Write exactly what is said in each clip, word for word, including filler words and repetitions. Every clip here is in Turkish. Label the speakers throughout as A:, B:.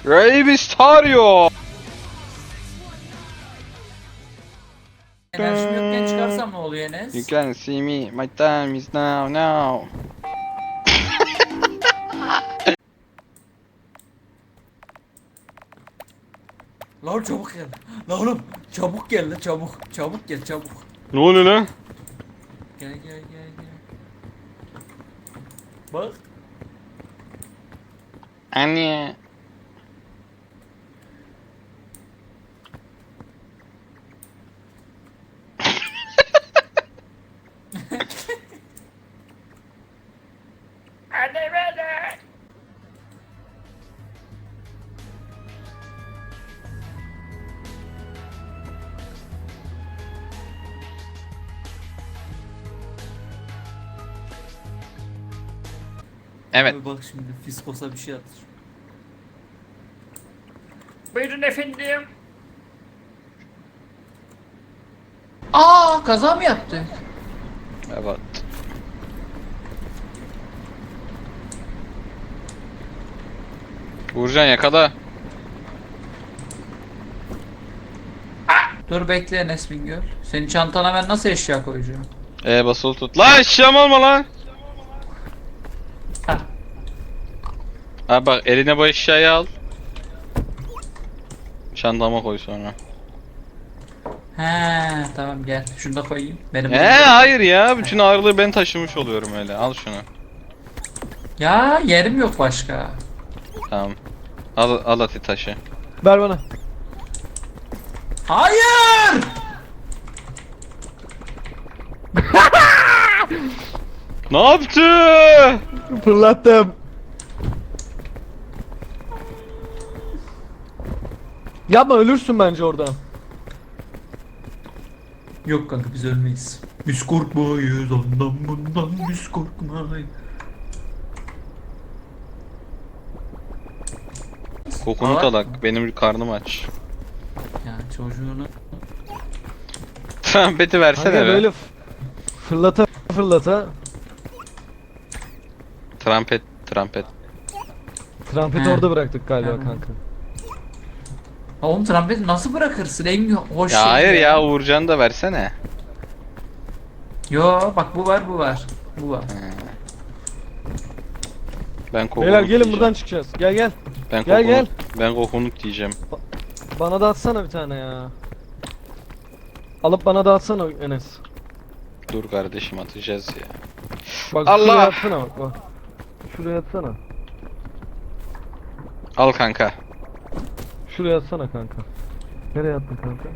A: Rey Mysterio.
B: Enerjim yokken çıkarsam ne oluyor Enes?
A: You can see me. My time is now now.
B: Lan çabuk gel. Lan oğlum çabuk gel lan çabuk. Çabuk gel çabuk.
A: Ne oluyor lan?
B: Gel gel gel gel. Bak.
A: Anne.
B: Hadi beni.
A: Evet.
B: Abi bak şimdi Fiskos'a bir şey atır. Buyurun efendim. Aa kaza mı yaptı?
A: Evet. Uğurcan yakala.
B: Dur bekle Enes Bingöl. Senin çantana ben nasıl eşya koyacağım?
A: E basılı tut. Lan eşyam olma lan.
B: Ha.
A: Abi bak eline bu eşyayı al. Çantama koy sonra.
B: He tamam gel. Şunu da koyayım. Benim
A: Ee hayır ya. Bütün ağırlığı ben taşımış oluyorum öyle. Al şunu.
B: Ya yerim yok başka.
A: Tamam. Al, al ati taşı.
C: Ver bana.
B: Hayır!
A: Ne yaptı?
C: Fırlattım. Yapma, ölürsün bence orada.
B: Yok kanka biz ölmeyiz. Biz korkmayız ondan bundan biz korkmayız.
A: Kokunu
B: Aa.
A: talak. Benim karnım aç.
B: Ya çocuğunu.
A: Trampeti versene
C: Kanka
A: be.
C: böyle f- fırlata fırlata.
A: Trampet, trampet.
C: Trampeti
B: He.
C: orada bıraktık galiba
B: He.
C: kanka.
B: Ha oğlum trompeti nasıl bırakırsın? En hoş
A: Ya
B: şey
A: hayır ya Uğurcan'ı da versene.
B: Yo bak bu var bu var. Bu var.
A: Ben kokunuk
C: Beyler gelin
A: diyeceğim.
C: buradan çıkacağız. Gel gel.
A: Ben
C: Gel,
A: kokunuk,
C: gel.
A: Ben kokunuk diyeceğim.
C: Bana da atsana bir tane ya. Alıp bana da atsana Enes.
A: Dur kardeşim atacağız ya.
C: Bak
A: Allah!
C: şuraya atsana bak bak. Şuraya atsana.
A: Al kanka.
C: Şuraya atsana kanka. Nereye attın kanka?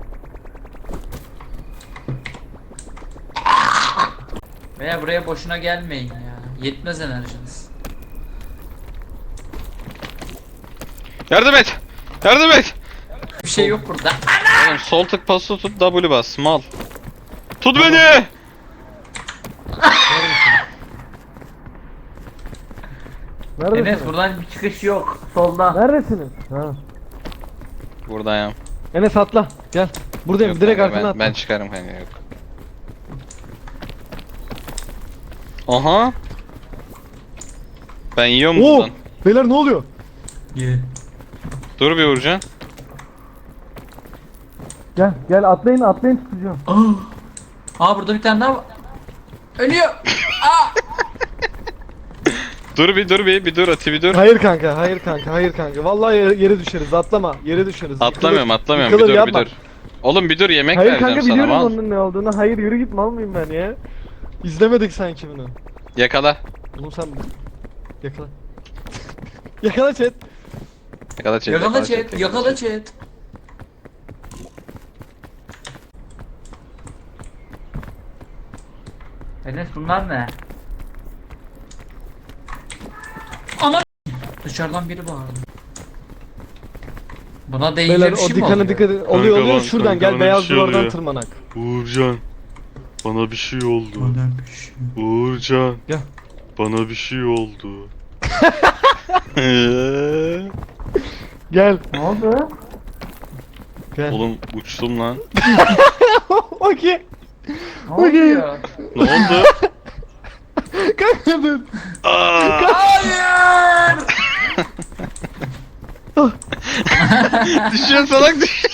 B: Veya buraya boşuna gelmeyin ya. Yetmez enerjiniz.
A: Yardım et. Yardım et.
B: Bir şey yok burada.
A: Oğlum sol tık pası tut W bas mal. Tut beni.
C: Neredesiniz?
B: Enes buradan bir çıkış yok. Solda.
C: Neredesiniz? Ha.
A: Buradayım.
C: Enes atla. Gel. Buradayım.
A: Yok
C: Direkt
A: kanka,
C: arkana
A: ben,
C: atla.
A: ben çıkarım kanka yok. Aha. Ben yiyorum
C: Oo!
A: buradan.
C: Beyler ne oluyor?
B: Ye.
A: Dur bir Uğurcan.
C: Gel gel atlayın atlayın tutacağım.
B: Aa. Aa burada bir tane daha var. Ölüyor. Aa.
A: Dur bir dur bir bir dur Ati bir dur.
C: Hayır kanka, hayır kanka, hayır kanka. Vallahi yere, yere düşeriz. Atlama. Yere düşeriz.
A: Atlamıyorum
C: Yıkılır.
A: atlamıyorum bir
C: Yıkılır,
A: dur bir
C: yapma.
A: dur. Oğlum bir dur yemek
C: Hayır
A: vereceğim
C: kanka
A: sana
C: biliyorum
A: mal.
C: onun ne olduğunu. Hayır yürü git mal mıyım ben ya? İzlemedik sanki bunu.
A: Yakala.
C: Oğlum sen yakala. Yakala chat.
A: Yakala çek.
B: Yakala chat. Yakala chat. Enes bunlar ne? Ana dışarıdan biri bağırdı. Buna değince
C: Beyler
B: bir
C: o
B: şey mi
C: dikene
B: oluyor?
C: dikkat edin. Oluyor
D: Kanka
C: oluyor
D: lan,
C: şuradan
D: kanka
C: gel
D: bana
C: beyaz
D: bir şey
C: duvardan
D: oluyor.
C: tırmanak.
D: Uğurcan, bana bir şey oldu.
B: Bana bir şey.
D: Uğurcan,
C: Gel.
D: bana bir şey oldu.
C: Gel.
B: Ne oldu?
C: Gel.
A: Oğlum uçtum lan.
C: Okey.
B: Ne
C: Okey.
B: oluyor?
A: Ne oldu?
C: Kanka dur.
A: Aa!
B: Hayır!
A: Düşüyor salak düşüyor.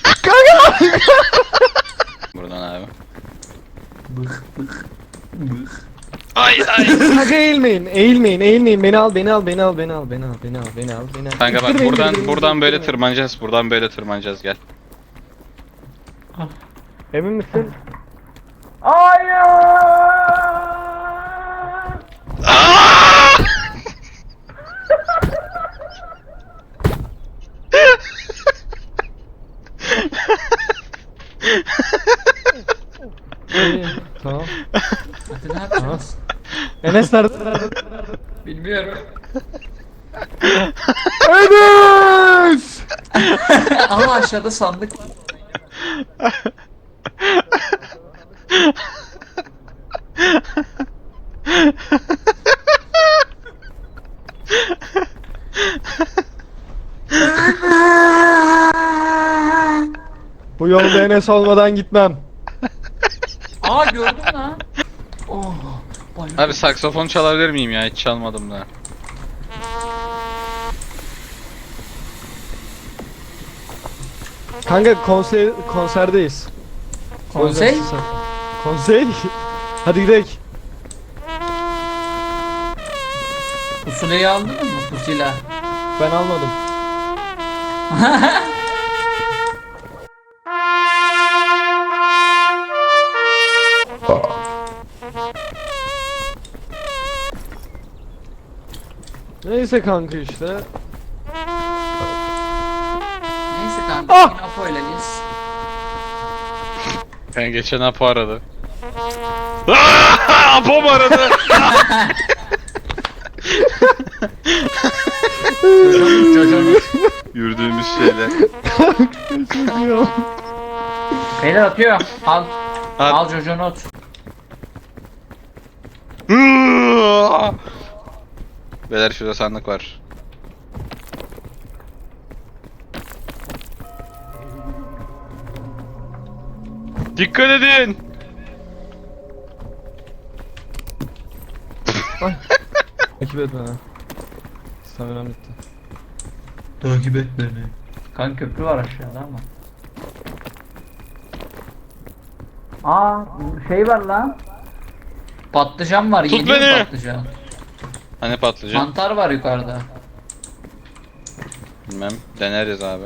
A: Buradan abi.
B: Bık bık bık.
A: Ay ay.
C: Kanka eğilmeyin, eğilmeyin, eğilmeyin. Beni al, beni al, beni al, beni al, beni al, beni al, beni al, beni al.
A: Kanka bak
C: İttirmeyin,
A: buradan
C: ittirmeyin,
A: buradan böyle
C: ittirmeyin.
A: tırmanacağız. Buradan böyle tırmanacağız gel.
C: Emin misin? İyi, tamam.
B: Hadi ne yapacağız?
C: Enes nerede?
B: Bilmiyorum.
C: Enes!
B: Ama aşağıda sandık var.
C: Bu yolda Enes olmadan gitmem.
B: Aa gördüm lan. Oh. Bayıldım.
A: Abi saksafon çalabilir miyim ya? Hiç çalmadım da.
C: Kanka konser konserdeyiz.
B: Konsey?
C: Konsey? Hadi gidelim.
B: Pusulayı aldın mı pusula?
C: Ben almadım. Neyse kanka işte.
B: Neyse kanka
C: Ah!
B: yine Apo ile biz.
A: Ben geçen Apo aradı. Apo mu aradı?
B: Çocuğumuz.
A: Yürüdüğümüz şeyler.
B: Beyler atıyor. Al.
A: At.
B: Al çocuğunu at.
A: Beyler şurada sandık var. Dikkat edin.
C: Takip et beni. Staminam bitti.
B: Takip et beni. Kanka köprü var aşağıda ama.
E: Aa şey var lan.
B: Patlıcan var.
A: Tut
B: Yeniyor
A: beni.
B: patlıcan.
A: Hani patlıcan?
B: Mantar var yukarıda.
A: Bilmem. Deneriz abi.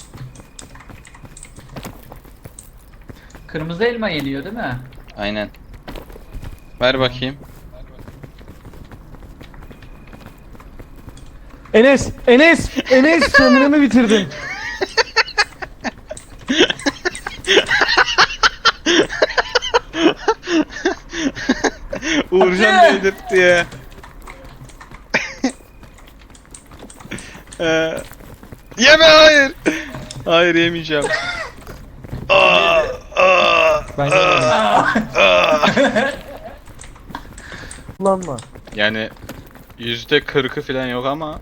B: Kırmızı elma yeniyor değil mi?
A: Aynen. Ver bakayım.
C: Enes! Enes! Enes! Staminamı bitirdin.
A: Uğurcan
B: Hadi.
A: değdirtti ya. Ee, Yeme hayır. Hayır yemeyeceğim. Aa, aa,
C: Ben
A: aa, aa.
C: kullanma.
A: Yani yüzde kırkı falan yok ama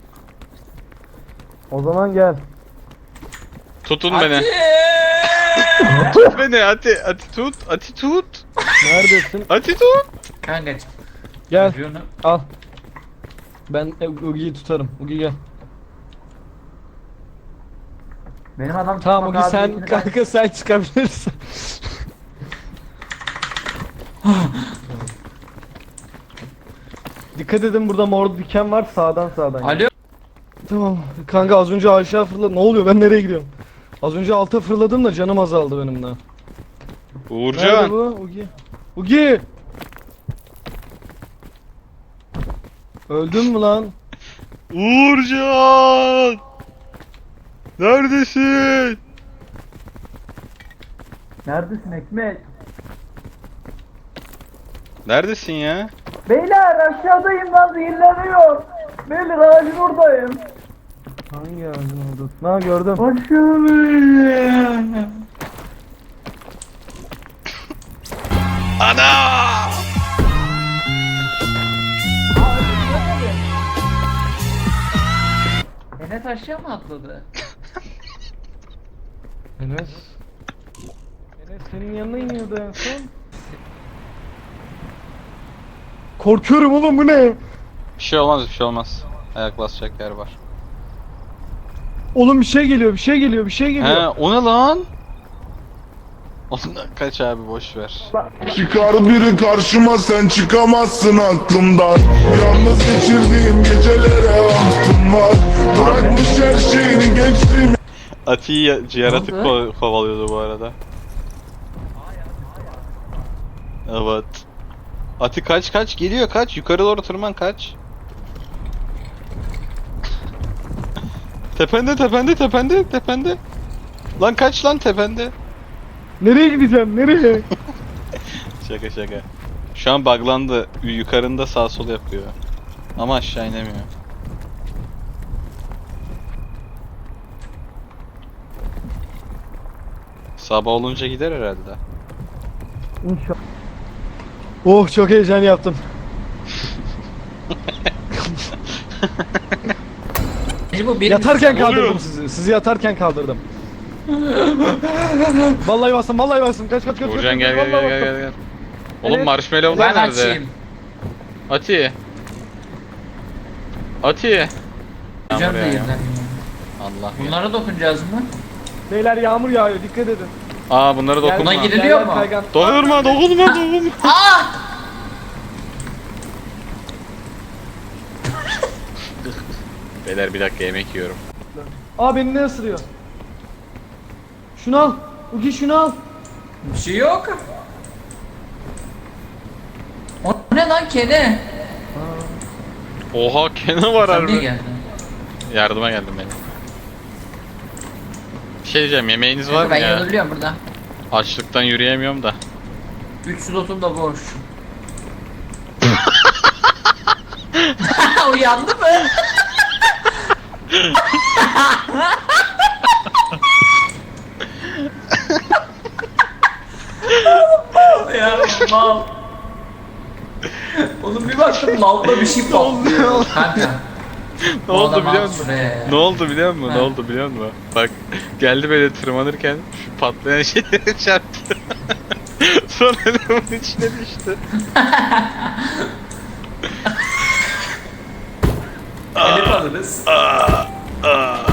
C: O zaman gel.
A: tutun
B: Hadi.
A: beni. Tut beni Ati, Ati tut, Ati tut.
C: Neredesin?
A: Ati tut.
B: Kanka
C: Gel.
B: çocuğunu.
C: Al. Ben e, Ugi'yi tutarım. Ugi gel.
E: Benim adam
C: Tamam
E: çıkmak
C: Ugi sen
E: kabiliyetini kaybetmiş.
C: kanka sen çıkabilirsin. Dikkat edin burada mor diken var sağdan sağdan.
B: Alo.
C: Tamam kanka az önce aşağı fırladım. Ne oluyor ben nereye gidiyorum? Az önce alta fırladım da canım azaldı benim de. Nerede
A: Uğurcan.
C: bu? Ugi. Ugi! Öldün mü lan?
A: Uğurcan. Neredesin?
E: Neredesin Ekmek?
A: Neredesin ya?
E: Beyler aşağıdayım lan zehirleniyor. Beyler ağacın oradayım.
C: Hangi ağacın oldu? Ha gördüm.
E: Aşağıdayım.
A: Ana!
B: Enes aşağı mı atladı?
C: Enes. Enes senin yanına iniyordu en son. Korkuyorum oğlum bu ne?
A: Bir şey olmaz, bir şey olmaz. Ayak basacak yer var.
C: Oğlum bir şey geliyor, bir şey geliyor, bir şey geliyor.
A: He o ne lan? Ondan kaç abi boş ver.
F: Çıkar biri karşıma sen çıkamazsın aklımdan. Yalnız geçirdiğim gecelere aklım var. Bırakmış her şeyini gençliğimi.
A: Ati'yi yaratık
B: Ne oldu?
A: ko- kovalıyordu bu arada. Evet. Ati kaç kaç geliyor kaç yukarı doğru tırman kaç. Tepende tepende tepende tepende. Lan kaç lan tepende.
C: Nereye gideceğim, nereye?
A: Şaka şaka. Şu an buglandı. Yukarında sağ sol yapıyor. Ama aşağı inemiyor. Sabah olunca gider herhalde.
C: İnşallah. Oh çok heyecan yaptım.
B: Bu benim
C: Yatarken
A: oluyor?
C: kaldırdım sizi. Sizi yatarken kaldırdım. Vallahi bastım, vallahi bastım. Kaç kaç kaç.
A: Uğurcan
C: kaç,
A: gel
C: kaç,
A: gel
C: vallahi
A: gel gel
C: bastım.
A: gel. Oğlum
C: Evet.
A: marshmallowlar
B: Ben
A: nerede?
B: açayım.
A: Ati. Ati.
B: Hocam
A: Yağmur
B: da
A: yağıyor.
B: yerden.
A: Allah.
B: Bunlara dokunacağız mı?
C: Beyler yağmur yağıyor, dikkat edin.
A: Aa bunlara dokunma.
B: Buna giriliyor mu?
C: Kaygan.
A: Dokunma dokunma dokunma. Beyler bir dakika yemek yiyorum.
C: Aa beni ne ısırıyor? Şunu al. Ugi şunu al.
B: Bir şey yok. O ne lan kene?
A: Oha kene var
B: Sen niye
A: harbi.
B: geldin?
A: Yardıma geldim benim. Bir şey diyeceğim yemeğiniz var mı
B: Ben
A: ya?
B: yanabiliyorum burada.
A: Açlıktan yürüyemiyorum da.
B: üç slotum da boş. Uyandı mı? ya mal. Oğlum bir baktım lavda bir şey patlıyor. Kanka.
A: Ne
B: bu
A: oldu
B: adam
A: biliyor
B: al
A: musun?
B: şuraya ya.
A: Ne oldu biliyor musun? Ne
B: Ha.
A: oldu biliyor musun? Bak geldi böyle tırmanırken şu patlayan şeyleri çarptı. Sonra lavın içine düştü.
B: Telif alırız.